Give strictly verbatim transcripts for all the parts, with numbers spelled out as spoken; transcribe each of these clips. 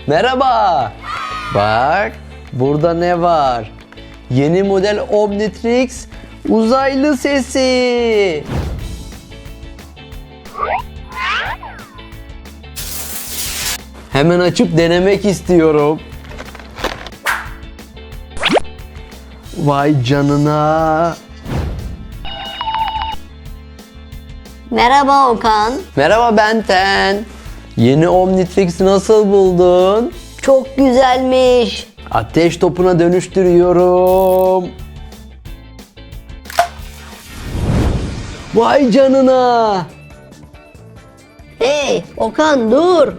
Merhaba. Bak, burada ne var? Yeni model Omnitrix uzaylı sesi. Hemen açıp denemek istiyorum. Vay canına. Merhaba Okan. Merhaba Benten. Yeni Omnitrix nasıl buldun? Çok güzelmiş. Ateş topuna dönüştürüyorum. Vay canına. Hey Okan dur.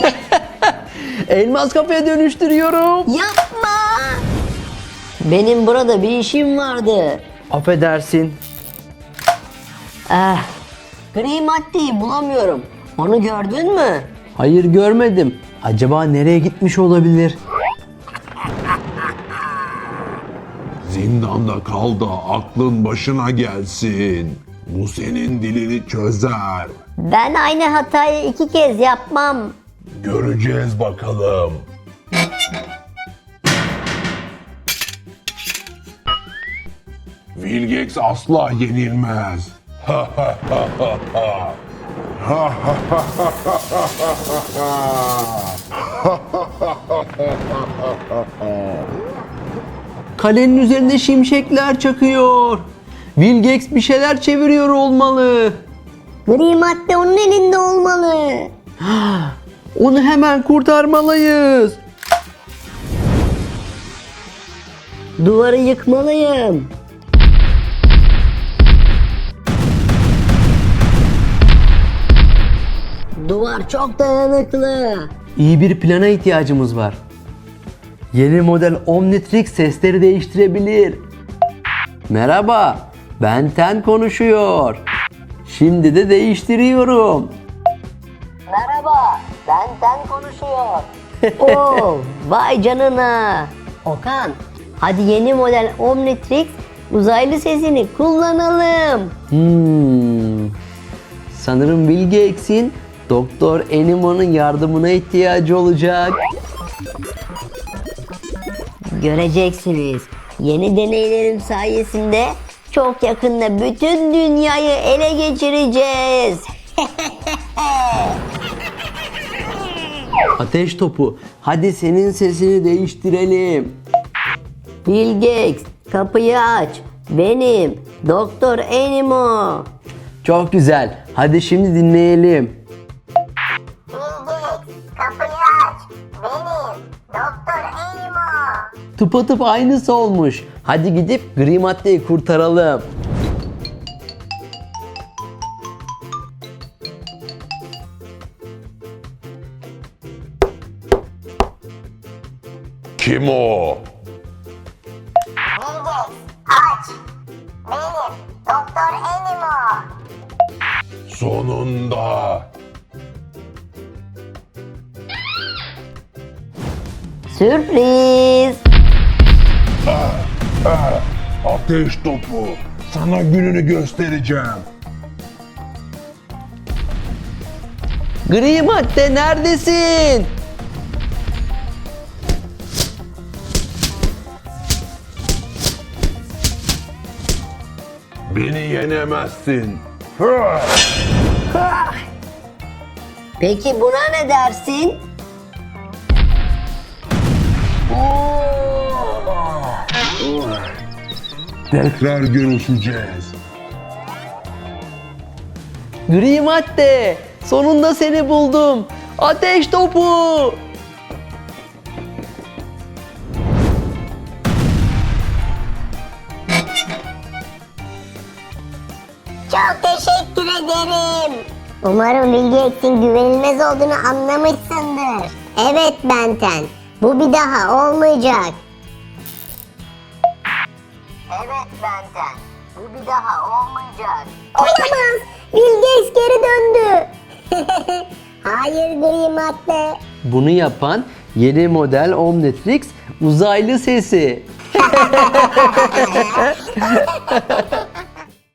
Elmas kafaya dönüştürüyorum. Yapma. Benim burada bir işim vardı. Affedersin. Eh, gri maddeyi bulamıyorum. Onu gördün mü? Hayır, görmedim. Acaba nereye gitmiş olabilir? Zindanda kal da aklın başına gelsin. Bu senin dilini çözer. Ben aynı hatayı iki kez yapmam. Göreceğiz bakalım. Vilgex asla yenilmez. Kalenin üzerinde şimşekler çakıyor. Vilgex bir şeyler çeviriyor olmalı. Gri madde onun elinde olmalı. Onu hemen kurtarmalıyız. Duvarı yıkmalıyım. Duvar çok dayanıklı. İyi bir plana ihtiyacımız var. Yeni model Omnitrix sesleri değiştirebilir. Merhaba, Benten konuşuyor. Şimdi de değiştiriyorum. Merhaba, benden konuşuyor. Oo, vay canına. Okan, hadi yeni model Omnitrix uzaylı sesini kullanalım. Hmm. Sanırım Vilgex'in Doktor Enimo'nun yardımına ihtiyacı olacak. Göreceksiniz. Yeni deneylerim sayesinde çok yakında bütün dünyayı ele geçireceğiz. Ateş topu, hadi senin sesini değiştirelim. Bill Gates, kapıyı aç. Benim Doktor Enimo. Çok güzel, hadi şimdi dinleyelim. Kapıyı aç. Benim Doktor Enimo. Tıpatıp aynısı olmuş. Hadi gidip gri maddeyi kurtaralım. Kim o? Vilgex, aç. Benim, Doktor Enimo. Sonunda. Sürpriz. Ateş topu. Sana gününü göstereceğim. Gri madde neredesin? Beni yenemezsin. Peki buna ne dersin? Tekrar görüşeceğiz. Gri madde, sonunda seni buldum. Ateş topu. Çok teşekkür ederim. Umarım Vilgex'in güvenilmez olduğunu anlamışsındır. Evet Benten, bu bir daha olmayacak. Evet Benten, bu bir daha olmayacak. Olamaz, Vilgex geri döndü. Hayır gri madde. Bunu yapan yeni model Omnitrix uzaylı sesi.